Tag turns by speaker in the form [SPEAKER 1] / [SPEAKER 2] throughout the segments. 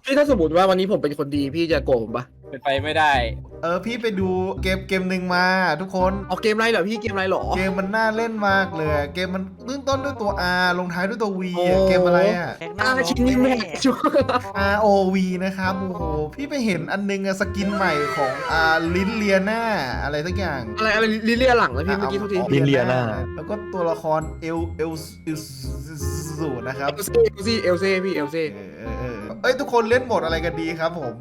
[SPEAKER 1] พี่ถ้าสมมติว่าวันนี้ผมเป็นคนดีพี่จะโกรธผมปะ
[SPEAKER 2] เป็นไปไม่ได้
[SPEAKER 3] พี่ไปดูเกมหนึ่งมาทุกคน
[SPEAKER 1] เอาเกมอะไรเหรอพี่เกมอะไรเหรอ
[SPEAKER 3] เกมมันน่าเล่นมากเลย เกมมันเริ่มต้นด้วยตัว R ลงท้ายด้วยตัว V
[SPEAKER 1] โอ้
[SPEAKER 3] เกมอะไรอ่ะ
[SPEAKER 1] ชินนี่แม่ชัว
[SPEAKER 3] ROV นะครับโอ้โหพี่ไปเห็นอันนึงอะสกินใหม่ของลินเลียนาอะไรสักอย่าง
[SPEAKER 1] อะไรลิเลียหลังนะพี่เมื่อกี้โทษที
[SPEAKER 4] ลินเลียนา
[SPEAKER 3] แล้วก็ตัวละครเอลสูนะครับ
[SPEAKER 1] เอลเซ่พี่เอลเซ่
[SPEAKER 3] ทุกคนเล่นโหมดอะไรกันดีครับผม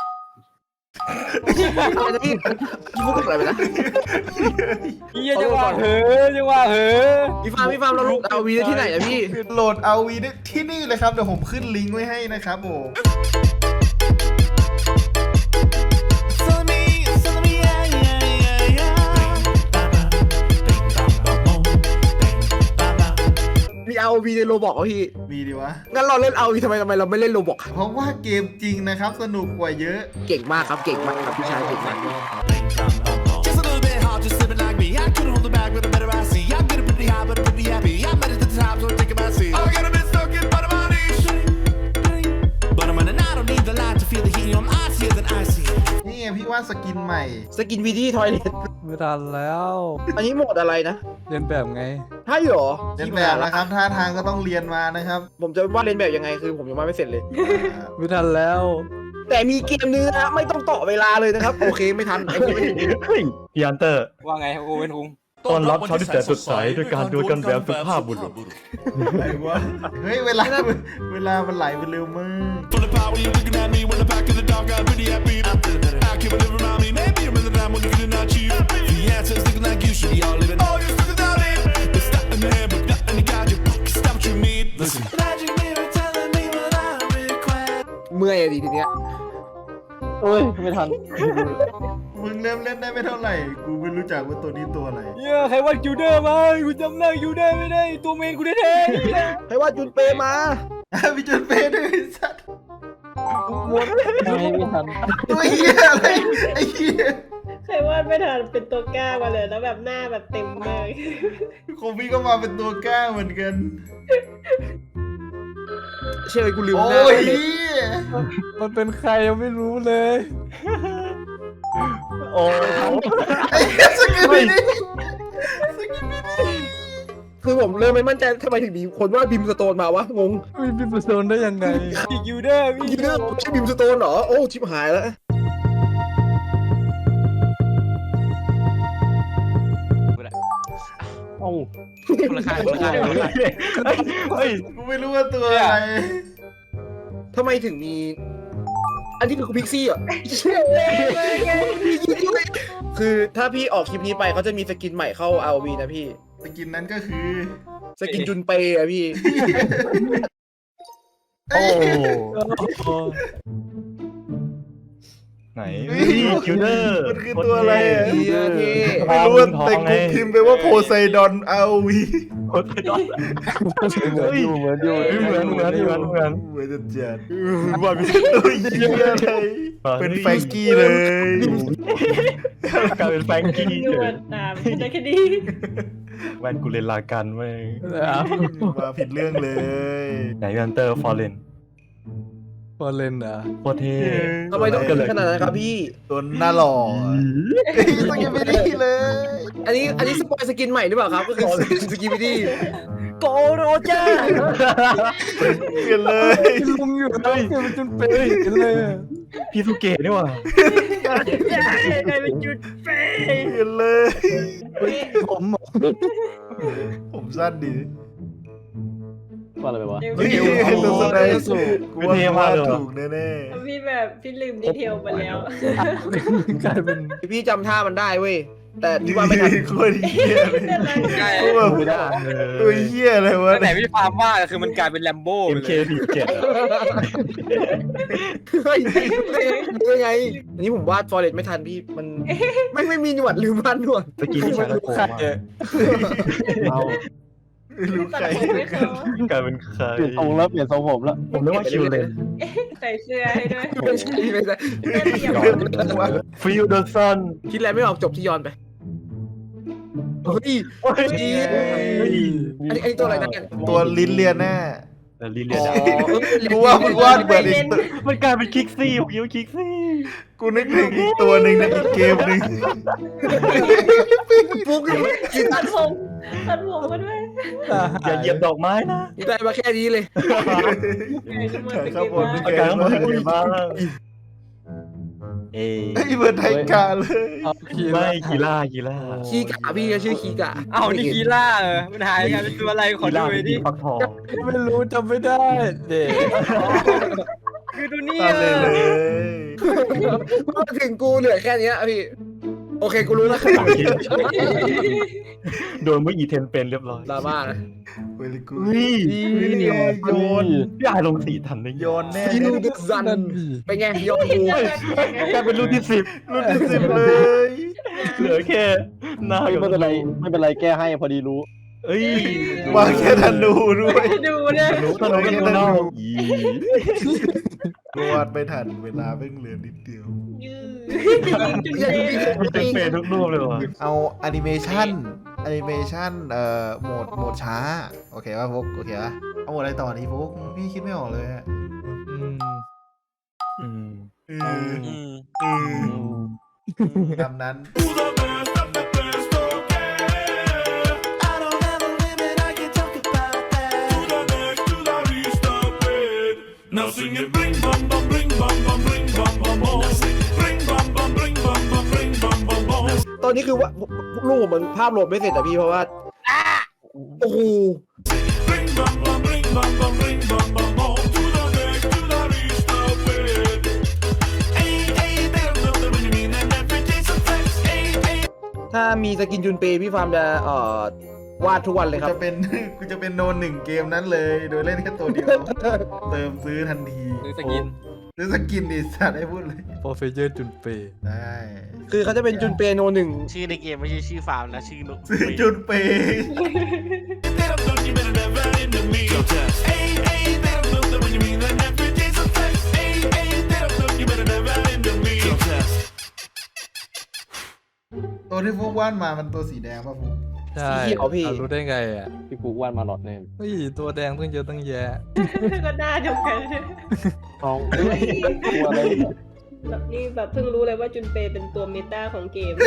[SPEAKER 1] อะไรนะพี่พูดอะไรไปนะ
[SPEAKER 2] เฮียจังหวะเหอจังหวะเหอ
[SPEAKER 1] พี่ฟาร์มเราลูกเอาวีได้ที่ไหนอะพี่
[SPEAKER 3] โหลด ROV ได้ที่นี่เลยครับเดี๋ยวผมขึ้นลิงก์ไว้ให้นะครับผม
[SPEAKER 1] มีเอาวีในโรบอกอ่ะพี่
[SPEAKER 3] มีดีวะ
[SPEAKER 1] งั้นเราเล่นเอาวีทำไมเราไม่เล่นโรบอก
[SPEAKER 3] เพราะว่าเกมจริงนะครับสนุกกว่าเยอะ
[SPEAKER 1] เก่งมากครับเก่งมากครับพี่ชายเก่งมาก
[SPEAKER 5] Just a little bit hard, just living like me. I couldn't hold it back with a better I see. I'm getting pretty high, but I'm pretty happy. I'm headed to the top, so I'm taking my seat. I got a bit stuck in bottom of my knees. But I'm running, I don't need the light to feel the heat. I'm icier than icy.
[SPEAKER 3] นี่ไงพี่ว่าสกินใหม่
[SPEAKER 1] สกินวีดี้ทอยเลท
[SPEAKER 4] ไม่ทันแล้ว
[SPEAKER 1] อันนี้โหมดอะไรนะ
[SPEAKER 4] เรียนแบบไง
[SPEAKER 1] ใช่เหรอ
[SPEAKER 3] เรียนแบบนะครับท่าทางก็ต้องเรียนมานะครับ
[SPEAKER 1] ผมจะว่าเล่นแบบยังไงคือผมยังว่าไม่เสร็จเลย
[SPEAKER 4] ไม่ทันแล้ว
[SPEAKER 1] แต่มีเกมนึงนะไม่ต้องต่อเวลาเลยนะครับ โอเคไม่ทันไอ้เกมไม่ถึง
[SPEAKER 4] เฮ้ยพี่อันเตอร์
[SPEAKER 2] ว่าไงครับโอเว่นคุง
[SPEAKER 4] ต้อนรับเช้าที่แสนสดใสด้วยการดูกันแบบสุภาพบุรุษ
[SPEAKER 3] อะไรวะเฮ้ยเวลามันไหลไปเร็วมาก
[SPEAKER 5] Full of power, you're looking at me. When the back of the dog, I'm pretty happy. I can't believe around me. Maybe you're in the time when you're not cheap. The answer's looking like you should be all living. Oh, you're stuck without it. It's not in the head, but not in the God. You stop what you need. Listen. Magic mirror telling me what I request.
[SPEAKER 1] เมื่อยอะดิทีเนี้ย
[SPEAKER 4] เฮ้ย ไม่ทัน
[SPEAKER 3] มึงเริ่มเล่นได้ไม่เท่าไหร่ กูไม่รู้จักว่าตัวนี้ตัวอะไร
[SPEAKER 2] เฮียใครว่าคิวเดอร์มากูจำหน้าคิวเดอร์ไม่ได้ตัวเมนกูแท้ๆเฮีย
[SPEAKER 1] ให้ว่าจุนเปมา
[SPEAKER 3] พี่จนเป้ด้วยไอ้สัตว์
[SPEAKER 4] ไม่ทัน
[SPEAKER 3] ตัวเหี้ยอะไรไอ้เหี้ย
[SPEAKER 6] เคยวาดไม่ทันเป็นตัวกล้ามาเลยแล้วแบบหน้าแบบเต็มเลย
[SPEAKER 3] โคฟี่ก็มาเป็นตัวกล้าเหมือนกัน
[SPEAKER 1] เชื่อเลยกูลืม
[SPEAKER 3] โอ้
[SPEAKER 1] หน้าย
[SPEAKER 3] เหี้ย
[SPEAKER 4] มันเป็นใครยังไม่รู้เลย โอ้
[SPEAKER 3] ไอ้เหี้ยสกินไม่ได้สกินไม่ได้
[SPEAKER 1] คือผมเริ่มไม่มั่นใจทำไมถึงมีคนว่าบิมสโตนมาวะงง
[SPEAKER 4] มีพิมพ์โซนได้ยังไง
[SPEAKER 2] พี่คิวเดอร์พี่
[SPEAKER 1] ยิงเรื่องไม่ใช่บิมสโตนเหรอโอ้ชิบหายแล้ว
[SPEAKER 4] เอ้า
[SPEAKER 2] คนละค่ายคนละค่ายคนละค่าย
[SPEAKER 4] เฮ้ย
[SPEAKER 3] กูไม่รู้ว่าตัวอะไร
[SPEAKER 1] ทำไมถึงมี อันที่คือพิกซี่อ่ะคือถ้าพี่ออกคลิปนี้ไปเขาจะมีสกินใหม่เข้า ROV นะพี่
[SPEAKER 3] สกินนั้นก็คือ
[SPEAKER 1] สกินจุนเปย์อะพี่
[SPEAKER 4] โอ้โหไหนคิวเดอร์
[SPEAKER 3] มันคือตัวอะไรอะ
[SPEAKER 1] เหี้ยเท่
[SPEAKER 3] ไม่รู้ว่าแต่กูพิมพ์ไปว่าโพไซดอน ROV
[SPEAKER 4] โคตรยอดเหมือนอยู่เหมือนจะ
[SPEAKER 3] จัดว่ามีตัวเหี้ยอะไรเป็นแฟงกี้เลย
[SPEAKER 4] กลายเป็นแฟงกี้
[SPEAKER 6] นวดตามไม่ได้แค่ดี
[SPEAKER 4] แวนกูเล่นลากันเว้ย
[SPEAKER 3] มาผิดเรื่องเลย
[SPEAKER 4] ไหนอันเตอร์ฟอร์เรนโคตรเท่
[SPEAKER 1] ทำไมต้องขนาดนั้นครับพี่
[SPEAKER 3] ตัวหน้าหล่อต้องยังไม่ได้เลย
[SPEAKER 1] อันนี้สปอยสกินใหม่หรือเปล่าครับก็คือสกินวิดี้โกโรเจอร์
[SPEAKER 3] เปลี่ยนเลย
[SPEAKER 4] ลุงอยู่เลยมันจนเป็นเลยพี่สุเกะนี่หว่า
[SPEAKER 6] กลายเป็นจุดเฟ
[SPEAKER 3] เปลี่ยนเลย
[SPEAKER 4] ผม
[SPEAKER 3] ผมสั้นดี
[SPEAKER 4] ว่าอะไรวะ
[SPEAKER 3] เฮ้ยตัวแสดงกูว่าถูกแน่
[SPEAKER 6] พี่แบบพี่ลืมดีเทลไปแล้ว
[SPEAKER 4] กลายเป็น
[SPEAKER 1] พี่จำท่ามันได้เว้ยแต่
[SPEAKER 3] ๆ
[SPEAKER 1] ที่ว่าไม่ทัน
[SPEAKER 3] โคตรเหี้ยเลย
[SPEAKER 2] ใช่
[SPEAKER 3] กูแบบ
[SPEAKER 4] ไม่ได้
[SPEAKER 3] ตัวเหี้ยอะไรวะ
[SPEAKER 2] ตั้งแต่พี่ฟาร์มว่าคือมันกลายเป็นแลมโบ้ไปเลย
[SPEAKER 4] MK47
[SPEAKER 1] เฮ้ยยังไงอันนี้ผมวาดฟอเรสไม่ทันพี่มันไม่มีหนวดลืมวาดหนวด
[SPEAKER 4] ตะกี้ที่ใช้แล้วโกงเอา
[SPEAKER 3] รู้
[SPEAKER 6] ตัด
[SPEAKER 3] ใคร
[SPEAKER 6] ผมให้เขา
[SPEAKER 4] กลายเป็นใครเปลี่ยนทรงแล้วเปลี่ยนทรงผมแล้วผมนึกว่าคิวเลน
[SPEAKER 6] ใส่เสื้อให้ด้วย
[SPEAKER 1] ไม่ใช่ไม่ใช่
[SPEAKER 6] เสื้อเดี่ยว
[SPEAKER 4] ฟิลเดอร์ซัน
[SPEAKER 1] คิดแล้วไม่ออกจบที่ย้อนไปเฮ้ยอันนี้ตัวอะไรนะเนี่ย
[SPEAKER 3] ตัวลิ้นเลียน่า
[SPEAKER 4] แต่ลิเลีย
[SPEAKER 1] อ๋อ
[SPEAKER 4] นะ
[SPEAKER 3] กูว่ามึงวาดเหมือนอีกตัว
[SPEAKER 4] มันกลายเป็นคิกซี่ผมคิดว่าคิกซี่
[SPEAKER 3] กูนึกถึงอีกตัวหนึ่งในอีกเกมหนึ่ง
[SPEAKER 1] ฟุกอยู่กิน
[SPEAKER 6] ตัดผมมาด้วย
[SPEAKER 4] อย่าเหยียบดอกไม้นะ
[SPEAKER 1] ได้มาแค่นี้เลย
[SPEAKER 3] ข้างบนนี่
[SPEAKER 4] อา
[SPEAKER 3] แก
[SPEAKER 4] การ
[SPEAKER 3] ง
[SPEAKER 4] มัน
[SPEAKER 3] เลย
[SPEAKER 4] เป็นบ้างเอ้
[SPEAKER 3] ไอ้เบิร์ดไทกาเลย
[SPEAKER 4] ไม่กีฬา
[SPEAKER 1] คีกะพี่ก็ชื่อคีกะ
[SPEAKER 2] เอ้านี่คีล่ามันหายกันเป็นตัวอะไรขอ
[SPEAKER 4] กี
[SPEAKER 2] ดู
[SPEAKER 4] ฬา
[SPEAKER 2] หน่
[SPEAKER 4] เป็
[SPEAKER 2] อย
[SPEAKER 4] น
[SPEAKER 2] ดิ
[SPEAKER 4] ฟักทอง
[SPEAKER 7] ไม่รู้จำไม่ได้เด็ก
[SPEAKER 2] คือตัวนี้
[SPEAKER 3] ตามเลยเลย
[SPEAKER 1] มาถึงกูเหลือแค่เนี้ยพี่โอเคกูรู้แล้ว
[SPEAKER 4] โดนเมื่ออีเทนเป็นเรียบร้อย
[SPEAKER 1] ดราม่านะ
[SPEAKER 3] เวลิกู
[SPEAKER 4] เฮ้ย
[SPEAKER 3] โยน
[SPEAKER 4] พี่อายลงสีทันได้
[SPEAKER 3] โยนแน่
[SPEAKER 1] ซีนูดึกซัน
[SPEAKER 7] นั่นดิ
[SPEAKER 1] เป็นไงยอมกู
[SPEAKER 4] กลายเป็นรุ่นที่10
[SPEAKER 3] รุ่นที่10เลย
[SPEAKER 4] เหลือแค่หน้า
[SPEAKER 7] ไม่เป็นไรไม่เป็นไรแก้ให้พอดีรู้
[SPEAKER 4] เอ้ยว
[SPEAKER 3] างแค่ธนูด้วย
[SPEAKER 6] ดูเนี่ย
[SPEAKER 4] รู้ตอนนี้ก็นอก
[SPEAKER 3] กูวาดไม่ทันเวลาเพิ่งเหลือนิดเดียว
[SPEAKER 6] ยืด
[SPEAKER 4] มีเต็มเปทุกรูปเลยว่ะ
[SPEAKER 3] เอาแอนิเมชันโหมดช้าโอเคป่ะพวกโอเคป่ะเอาโหมดอะไรต่อนี้พวกพี่คิดไม่ออกเลยอะ
[SPEAKER 7] อืม
[SPEAKER 3] ตามนั้น
[SPEAKER 5] Who the best of the best, okay? I don't ever live it, I can talk about that. To the next, to the least of it. Now sing it, bring bum bum, bring bum bum, bring bum bum bum. Now sing it, bring bum bum, bring bum bum, bring bum bum bum.
[SPEAKER 1] ตอนนี้คือว่าลูกผมมันภาพโหลดไม่เสร็จแต่พี่เพราะว่าโอ้โห
[SPEAKER 5] Bring bum bum, bring bum bum, bring bum bum bum. To the next, to the least of it. Ain't they don't know what you mean, and every day's a flex. Ain't
[SPEAKER 1] ถ้ามีสกินจุนเปย์พี่ฟาร์มจะวาดทุกวันเลยครับ
[SPEAKER 3] กูจะเป็นโนนหนึ่งเกมนั้นเลย โดยเล่นแค่ตัวเดียว เติมซื้อทันที
[SPEAKER 2] หรือสกิน
[SPEAKER 3] ซื้อสกินดิสัตว์ให้พูดเลย
[SPEAKER 7] โปรเฟเจอร์จุนเปย์
[SPEAKER 3] ได้
[SPEAKER 1] คือเขาจะเป็นจุนเปย์โนหนึ่ง
[SPEAKER 8] ชื่อในเกมไม่ใช่ชื่อฟาร์มนะชื่อนก
[SPEAKER 3] ซื้อจุดเปย์
[SPEAKER 5] they don't know you better never into me. Ain't they don't know that when you mean that every day's a flex. Ain't they don't know you better never into me.
[SPEAKER 3] ตัวที่ฟุกวาดมามันตัวสีแดงป่ะฟุก
[SPEAKER 7] ใช่
[SPEAKER 1] สีเขียวพี่
[SPEAKER 7] รู้ได้ไงอ่ะ
[SPEAKER 2] พี่กูวาดมาหลอดแน่
[SPEAKER 7] เฮ้ยตัวแดงตั้งเยอะตั้งแยะ
[SPEAKER 6] ก็หน้าเดียวกัน
[SPEAKER 7] ท้องตัวอะไร
[SPEAKER 6] แบบนี่แบบเพิ่งรู้เลยว่าจุนเปย์เป็นตัวเมตาของเกม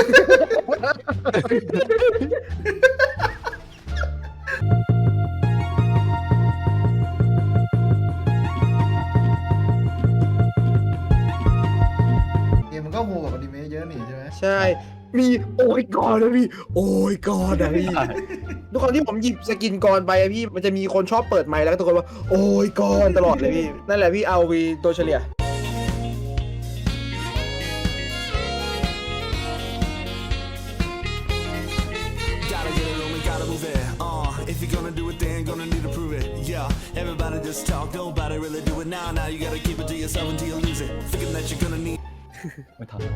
[SPEAKER 3] เกมมันก็โหกับอนิเมะเยอะนี่ใช่ไหม
[SPEAKER 1] ใช่ มีโอ้ยกอนนะพี่ โอ้ยกอนนะพี่ทุกคนที่ผมหยิบสกินกอนไปอะพี่มันจะมีคนชอบเปิดไมค์แล้วก็ตะโกนว่าโอ้ยกอนตลอดเลยพี่ นั่นแหละพี่เอาวีตัวเฉลี่ย
[SPEAKER 5] Gotta get it on me, gotta move it. If you're gonna do it, then gonna need to prove it. Yeah, everybody just talk, nobody really do it now. Now you gotta keep it to yourself until you lose it. Thinking that you're gonna need.
[SPEAKER 4] ไม่ทัน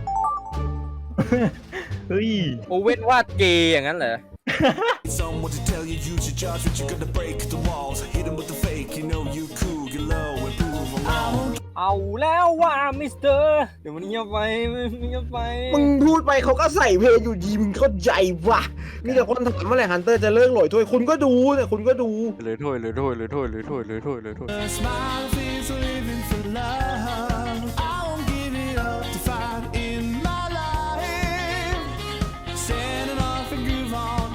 [SPEAKER 4] เฮ้ย
[SPEAKER 2] โอเว่นวาดเกย์อย่างนั้นเหรอ
[SPEAKER 5] Someone to tell you you should judge, but you're gonna break the walls. Hit 'em with the fake, you know you cool, get low and prove 'em wrong.
[SPEAKER 2] เอาแล้วว่ามิสเตอร์เดี๋ยวมันเงียบไปเงียบไป
[SPEAKER 1] มึงพูดไปเขาก็ใส่เพลงอยู่ดีมึงเข้าใจวะมีแต่คนถามเมื่อไหร่ฮันเตอร์จะเลิกหลอยถ้วยคุณก็ดูแต่คุณก็ดู
[SPEAKER 2] เลยถ้วยเลยถ้วยเลยถ้วยเลยถ้วยเลยถ้วยเลยถ้วย
[SPEAKER 5] A smile is living for love. I won't give it up to fight in my life. Standing off and groove on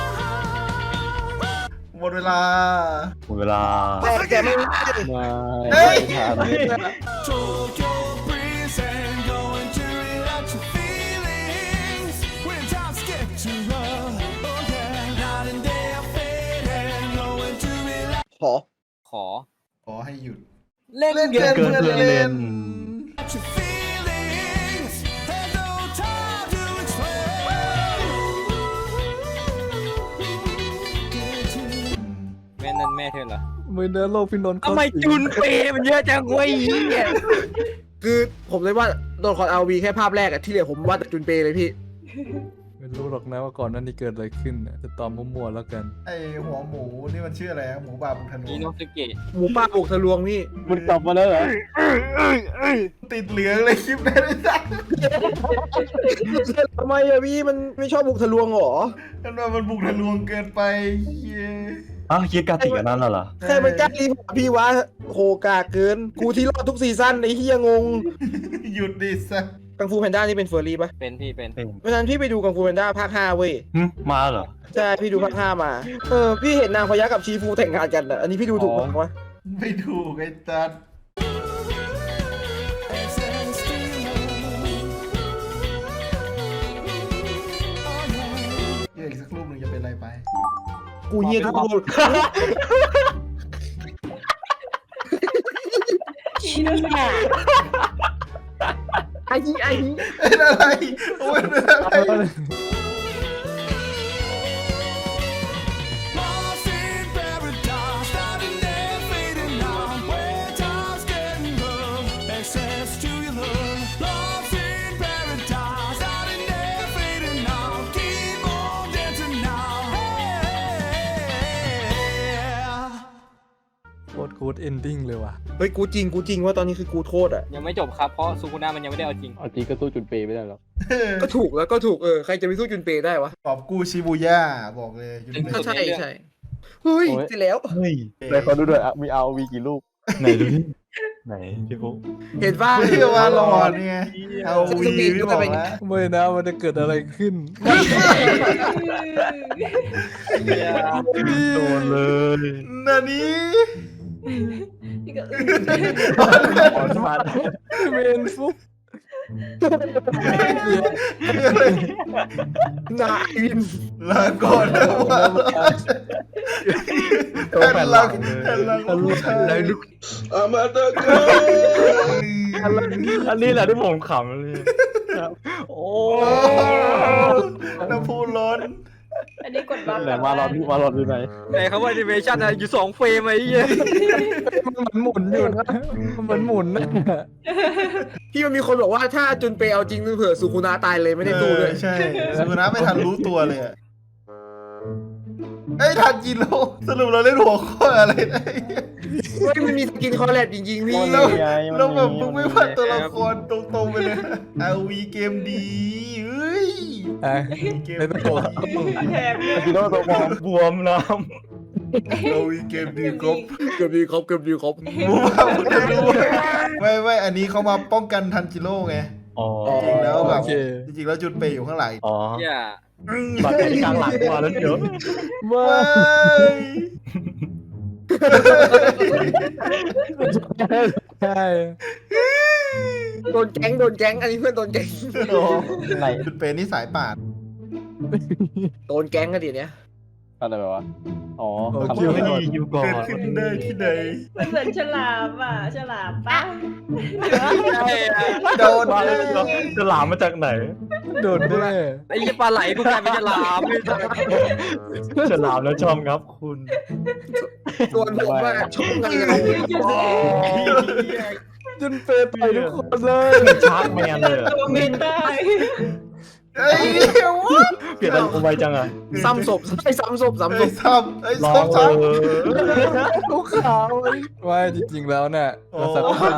[SPEAKER 5] time.
[SPEAKER 3] หมดเวลา
[SPEAKER 4] หมดเวลา
[SPEAKER 1] แต่ไม่ได้
[SPEAKER 3] เฮ้ย
[SPEAKER 5] Tokyo breeze and going to relax your feelings when times get too rough. Oh yeah, night and day I fade and going to relax
[SPEAKER 1] ขอ
[SPEAKER 2] ขอ
[SPEAKER 3] ขอให้หยุด
[SPEAKER 2] เล่น
[SPEAKER 3] เล่น
[SPEAKER 2] เก
[SPEAKER 3] เกิน
[SPEAKER 2] ม
[SPEAKER 3] เพื่อนเล่น
[SPEAKER 5] your feelings. There's no time to explain. Get to
[SPEAKER 2] แม่นั่นแม่เธอเหรอ
[SPEAKER 7] มือเนื้อโลกพี่นนท์
[SPEAKER 2] ทำไมจุนเปย์มันเยอะจังเว้ยเนี่ย
[SPEAKER 1] คือผมเลยว่าโดนคอนเอาวีแค่ภาพแรกอะที่เหลือผมวาดแต่จุนเปย์เลยพี่
[SPEAKER 7] ไม่รู้หรอกนะว่าก่อนหนั้นนี่เกิดอะไรขึ้นน่ะจะตอบมั่วๆแล้วกัน
[SPEAKER 3] ไอหัวหมูนี่มันชื่ออะไรอะหมูป่าบุกธนู
[SPEAKER 2] อีโนสเกะ
[SPEAKER 1] หมูป่าบุกทะลวงพี่
[SPEAKER 7] มันกลับมาแล้วเหรอ
[SPEAKER 3] ติดเหลืองเลยคลิปนั้นไอ้สัส
[SPEAKER 1] ทำไมอะพี่มันไม่ชอบบุกทะลวงเหรอ
[SPEAKER 3] กันว่ามันบุกทะลวงเกินไปเย้
[SPEAKER 4] คิดกาติกันนั่นเหรอ
[SPEAKER 1] ใครมันกล้ารีพอร์ตพี่วะโหกาเกินกูที่รอดทุกซีซั่นไอ้เฮียงง
[SPEAKER 3] หยุดดิซะ
[SPEAKER 1] กังฟูแพนด้านี่เป็นเฟอร์รี่ปะ
[SPEAKER 2] เป็นพี่เป็น
[SPEAKER 1] เพราะฉะนั้นพี่ไปดูกังฟูแพนด้าภาค 5เว้ย
[SPEAKER 4] มาเหรอ
[SPEAKER 1] ใช่พี่ดูภาค 5มาพี่เห็นนางพญากับชีฟูแต่งงานกันอ่ะอันนี้พี่ดูถูกไหมวะ
[SPEAKER 3] ไม่ถูกไอ้ตัดอีกสักรูปหนึ่งจะเป็นอะไรไป
[SPEAKER 1] กูเงียทุกรูป ไอ้นี่
[SPEAKER 3] เป็นอะไรโอ้ยเป็นอะไร
[SPEAKER 5] Lost in paradise, starting there, fading now. Where time's getting rough, access to your love. Lost in paradise, starting there, fading now. Keep on dancing now. Hey.
[SPEAKER 7] โคตรกูดเอนดิ้งเลยว่ะ
[SPEAKER 1] เฮ้ยกูจริงว่าตอนนี้คือกูโทษอ่ะ
[SPEAKER 2] ยังไม่จบครับเพราะซูกุน่ามันยังไม่ได้เอาจริง
[SPEAKER 4] เอาจริงก็สู้จุนเปย์ไม่ได้หรอก
[SPEAKER 1] ก็ถูกใครจะไปสู้จุนเปย์ได้วะ
[SPEAKER 3] กอบกู้ชิบูย่าบอกเลยจุนเป
[SPEAKER 1] ก็
[SPEAKER 3] ย์
[SPEAKER 1] ใช่เฮ้ยเสร็จแล้ว
[SPEAKER 4] เฮ้ยเลยเขาดูด้วยมีเอาวีกี่ลูกไหนดูดิไหนพี่ฟุ๊ก
[SPEAKER 1] เห็นป่ะ
[SPEAKER 3] เรียกว่าหลอดเนี่ยเอาวีไม่บอกแล้ว
[SPEAKER 7] ไม่นะมันจะเกิดอะไรขึ้น
[SPEAKER 4] โดนเลย
[SPEAKER 3] นานี้
[SPEAKER 6] นี่ก็
[SPEAKER 4] อ่อนมา
[SPEAKER 7] เมนฟุก
[SPEAKER 1] นาอิน
[SPEAKER 3] ลาก่อนนะแผ่นหลังผู้ชาย
[SPEAKER 4] อันนี้แหละที่ผมขำเลยโอ้
[SPEAKER 3] น้ำพุร้อน
[SPEAKER 6] อันนี้กดบัฟ
[SPEAKER 4] ไหนมารอที่ไหน
[SPEAKER 2] แต่เขาว่าแอนิเมชันอะอยู่2 เฟรมไอ้เหี้ย
[SPEAKER 7] มันหมุนอยู่นะมันหมุนนะ
[SPEAKER 1] พี่มันมีคนบอกว่าถ้าจุนเปย์เอาจริงเผื่อสุคุนาตายเลยไม่ได้สู้เลย
[SPEAKER 3] ใช่สุนัขไม่ทันรู้ตัวเลยไอ้ทันจิโร่สรุปเราเล่นหัวข้ออะไรได้
[SPEAKER 1] เฮ้ยมันมีสกินคอลแลบจริงๆพี่
[SPEAKER 3] แล้วแบบมึงไม่พัดตัวละครตรงๆไปเลยเอาวีเกมดีเฮ้ย เกม
[SPEAKER 7] ไม่ต้อง
[SPEAKER 6] แถมเนี่ย
[SPEAKER 4] กิโลตัวบวมน้
[SPEAKER 3] เอาวีเกมดีครบ
[SPEAKER 1] เกือบดีครบ
[SPEAKER 3] มูว่ามึงจะรู้ไม่อันนี้เขามาป้องกันทันจิโร่ไง
[SPEAKER 4] ำอ๋อ
[SPEAKER 3] จริงแล้วแบบ
[SPEAKER 7] โอเค
[SPEAKER 3] จริงๆแล้วจุดเปย์อยู่ข้างหลัง
[SPEAKER 4] อ๋อ
[SPEAKER 2] เหี้ย
[SPEAKER 4] บัตรที่กลางหลังมาแล้วเดี๋ยว
[SPEAKER 3] ว้าย
[SPEAKER 7] ใช่
[SPEAKER 1] โดนแก๊งอันนี้เพื่อนโดนแก๊ง
[SPEAKER 4] ไหน
[SPEAKER 3] จุดเปย์นี่สายป่าน
[SPEAKER 1] โดนแก๊งกันดิเนี้ย
[SPEAKER 4] อะไรแบบว่าอ๋อทำไม่ดีอยู่ก่อน
[SPEAKER 3] เกิดขึ้นได้ที่ใด
[SPEAKER 6] มันเหมือนฉลามอ่ะฉลามป่ะ
[SPEAKER 3] โดน
[SPEAKER 4] มา
[SPEAKER 3] เล
[SPEAKER 4] แล้ว
[SPEAKER 3] ย
[SPEAKER 4] จะหลามมาจากไหน
[SPEAKER 7] โดนแน่
[SPEAKER 2] ไอ้เหี้ยปลาไหลกูกลายเป็นฉลามไม่ใช่
[SPEAKER 4] จะหลามแล้วชอบครับคุณ
[SPEAKER 1] ส่วนผมว่าชอบกันเลย
[SPEAKER 7] จนเปย์ไปทุกคนเลย
[SPEAKER 4] เป็นชาร์กแมนเลยอะ
[SPEAKER 6] ตัวเมนได้
[SPEAKER 3] ไอ้เหี้ยวะ
[SPEAKER 4] เปลี่ยนอะไรไวจังอ่ะ
[SPEAKER 1] ซ้ำศพ
[SPEAKER 3] ไอ้ซ้ำ
[SPEAKER 7] ลูกขาวว่าจริงๆแล้วเนี่ยเราสักผ้า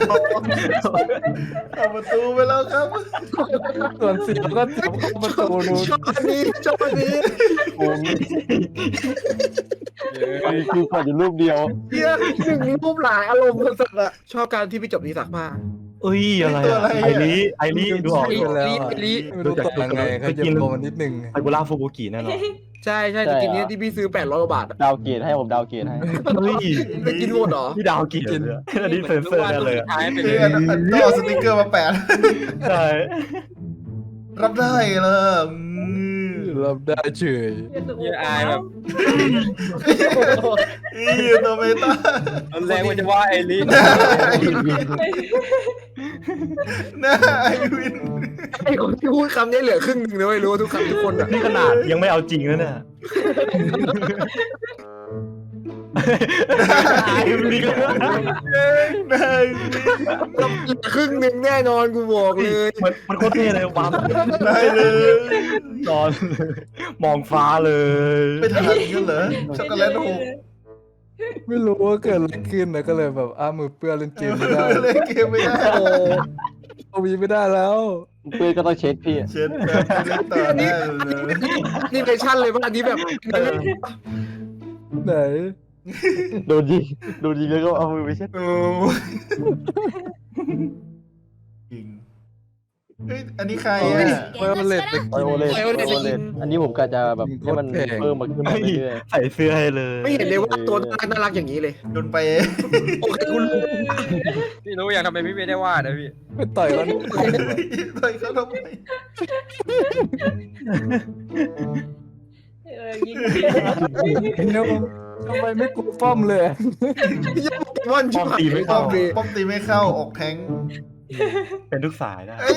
[SPEAKER 3] เอาประตูไปแล้วครับ
[SPEAKER 7] ส่วนเสียงก็จับเข้าประตูนู้น
[SPEAKER 1] ชอบอันนี้
[SPEAKER 4] โอ้ยคือกดอยู่รูปเดียว
[SPEAKER 1] เฮียหนึ่งรูปหลายอารมณ์สุดๆอะชอบการที่พี่จบนี้สักผ้า
[SPEAKER 4] เอ้ยอะไรอะไอริดูออก
[SPEAKER 1] ลิ
[SPEAKER 7] แล้ว
[SPEAKER 1] ลิ
[SPEAKER 7] ไม่รู้ต่อยังไงเขาจะโดนนิดนึง
[SPEAKER 4] ไอบูล่าฟูบุกิแน่นอน
[SPEAKER 1] ใช่สกินนี้ที่พี่ซื้อ800 กว่าบาทอะ
[SPEAKER 4] ดาวเกตให้ผมดาวเกตให้เฮ้ย
[SPEAKER 1] ไปกินหมดเหรอ
[SPEAKER 4] พี่ดาวเกตเลยอันนี้เซนเซอร์แน่เลย
[SPEAKER 2] ท้ายไป
[SPEAKER 3] เ
[SPEAKER 2] เลย
[SPEAKER 3] ต้องเอาสติ๊กเกอร์มาแปะ
[SPEAKER 4] ใช่
[SPEAKER 3] รับได้เลย
[SPEAKER 7] รับได้เฉย
[SPEAKER 2] เหี้ยอายแบบ
[SPEAKER 3] ตัวเมตา
[SPEAKER 2] ตอนแรกมันจะว่าไอ้ลิ
[SPEAKER 3] หน้าไอวิน
[SPEAKER 1] ไอ้คนที่พูดคำนี้เหลือครึ่งหนึ่งนะไม่รู้ทุกคำทุกคนอะ
[SPEAKER 4] นี่ขนาดยังไม่เอาจริงแล้วเนี่ยนี่ก็
[SPEAKER 3] หน้าไอวิน
[SPEAKER 1] เหลือครึ่งหนึ่งแน่นอนกูบอกเลย
[SPEAKER 4] มันโคตรเท่เลยปั๊ม
[SPEAKER 3] ได้เลย
[SPEAKER 4] นอนมองฟ้าเลย
[SPEAKER 3] ไปทานกันเหรอช็อกโกแลตหก
[SPEAKER 7] ไม่รู้ว่าเกิดอะไรขึ้นนะก็เลยแบบมือเปื้อนเล่นเกมไม่ได้
[SPEAKER 3] เล่นเกมไม่ได้
[SPEAKER 1] โอ้
[SPEAKER 7] เอาวีไม่ได้แล้ว
[SPEAKER 4] เพื่อนก็ต้องเช็คพี่
[SPEAKER 3] เช็ดแบบเล่นต่อได้เลย
[SPEAKER 1] นี่เวอร์ชั่นเลยป่ะอันนี้แบบ
[SPEAKER 7] ไหน
[SPEAKER 4] โดนยิงแล้วก็เอามือไปเช็ด
[SPEAKER 3] โอ้จริงเฮ้ยอันนี้ใครอ่ะ
[SPEAKER 7] ไวโอเลตไป
[SPEAKER 4] ไวโอเลตอันนี้ผมกะจะแบบให้มันเพิ่มมาขึ้นมาเรื่อย
[SPEAKER 2] ใส่เสื้อให้เลย
[SPEAKER 1] ไม่เห็นเลยว่าตัวน่ารักอย่างนี้เลย
[SPEAKER 3] โดนไป
[SPEAKER 1] โอเคคุณรู้
[SPEAKER 2] พี่รู้ยังทำไมพี่ไม่ได้วาดนะพี่
[SPEAKER 7] ไปต่อยมัน
[SPEAKER 3] ต่อยเขาทำไม
[SPEAKER 6] ยิง
[SPEAKER 7] เดี๋ยวทำไมไม่กลัวป้อมเลย
[SPEAKER 1] ยังโปเกมอนชิบหาย
[SPEAKER 3] ป้
[SPEAKER 1] ป้
[SPEAKER 3] อ
[SPEAKER 1] อ
[SPEAKER 3] ม
[SPEAKER 1] มเลย
[SPEAKER 3] ป้อมตีไม่เข้าออกแทง
[SPEAKER 2] เป็นทุกสายได้
[SPEAKER 3] เอ้ย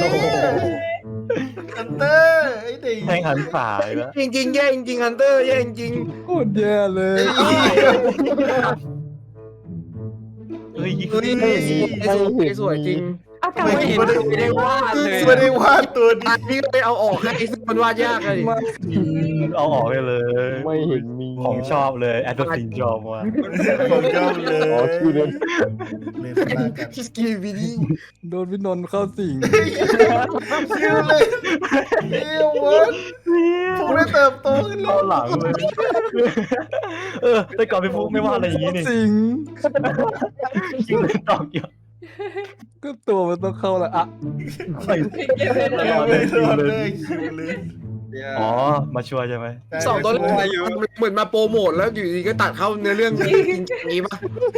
[SPEAKER 3] ฮันเตอร์ไอ้เด็ก
[SPEAKER 2] แทงหันสายแล้ว
[SPEAKER 1] จริงๆแย่จริงๆฮันเตอร์แย่จริง
[SPEAKER 7] โคตรแย่เลย
[SPEAKER 2] เฮ้ย
[SPEAKER 1] ๆเฮ้ยสวยจริง
[SPEAKER 3] ไม่เห็น
[SPEAKER 2] ไม่ได้วาดเลย
[SPEAKER 3] ไม่ได้วาดตัวนี้
[SPEAKER 1] อันนี้ก็ไปเอาออกให้ซึ่งมันวาดยากเลย
[SPEAKER 7] มา
[SPEAKER 2] เอาออกไปเลย
[SPEAKER 4] ไม่เห็นมี
[SPEAKER 2] ของชอบเลยแอดดอสินชอบว่ะ
[SPEAKER 3] ผมชอบเลย
[SPEAKER 4] อ๋อชื่อเดิน
[SPEAKER 3] เลยสลากัน
[SPEAKER 1] สกีบีดี้
[SPEAKER 7] โดนพี่นนท์เข้าสิง
[SPEAKER 3] ชื่อเลยเฮียวันผมได้เติบโตขึ้นแล้
[SPEAKER 2] เอา
[SPEAKER 3] ว
[SPEAKER 2] หลังเลยแต่ก่อนพี่ฟุกไม่วาดอะไรอย่างนี้นี่
[SPEAKER 7] สิง
[SPEAKER 2] จริงเลยตอกเกี่ยว
[SPEAKER 7] ก็ตัวมันต้องเข้าละอ่ะ
[SPEAKER 2] ไม่
[SPEAKER 3] ไม่รอดเลยคิวเลย
[SPEAKER 2] อ๋อมาช่วยใช่ไหม
[SPEAKER 1] สองตัวแรกเหมือนมาโปรโมทแล้วอยู่ดีก็ตัดเข้าเนื้อเรื่องจริงอย่างนี้ป่ะ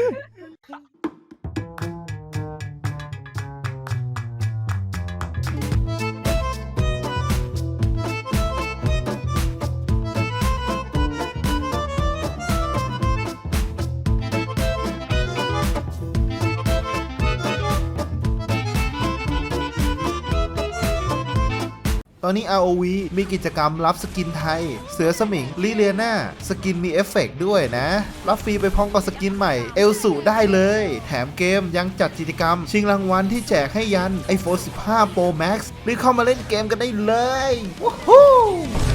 [SPEAKER 3] ตอนนี้ ROV มีกิจกรรมรับสกินไทย เสือสมิงลิเลียนาสกินมีเอฟเฟกต์ด้วยนะ รับฟรีไปพร้อมกับสกินใหม่เอลสุได้เลย แถมเกมยังจัดกิจกรรม ชิงรางวัลที่แจกให้ยัน iPhone 15 Pro Max รีบเข้ามาเล่นเกมกันได้เลย วู้ฮู้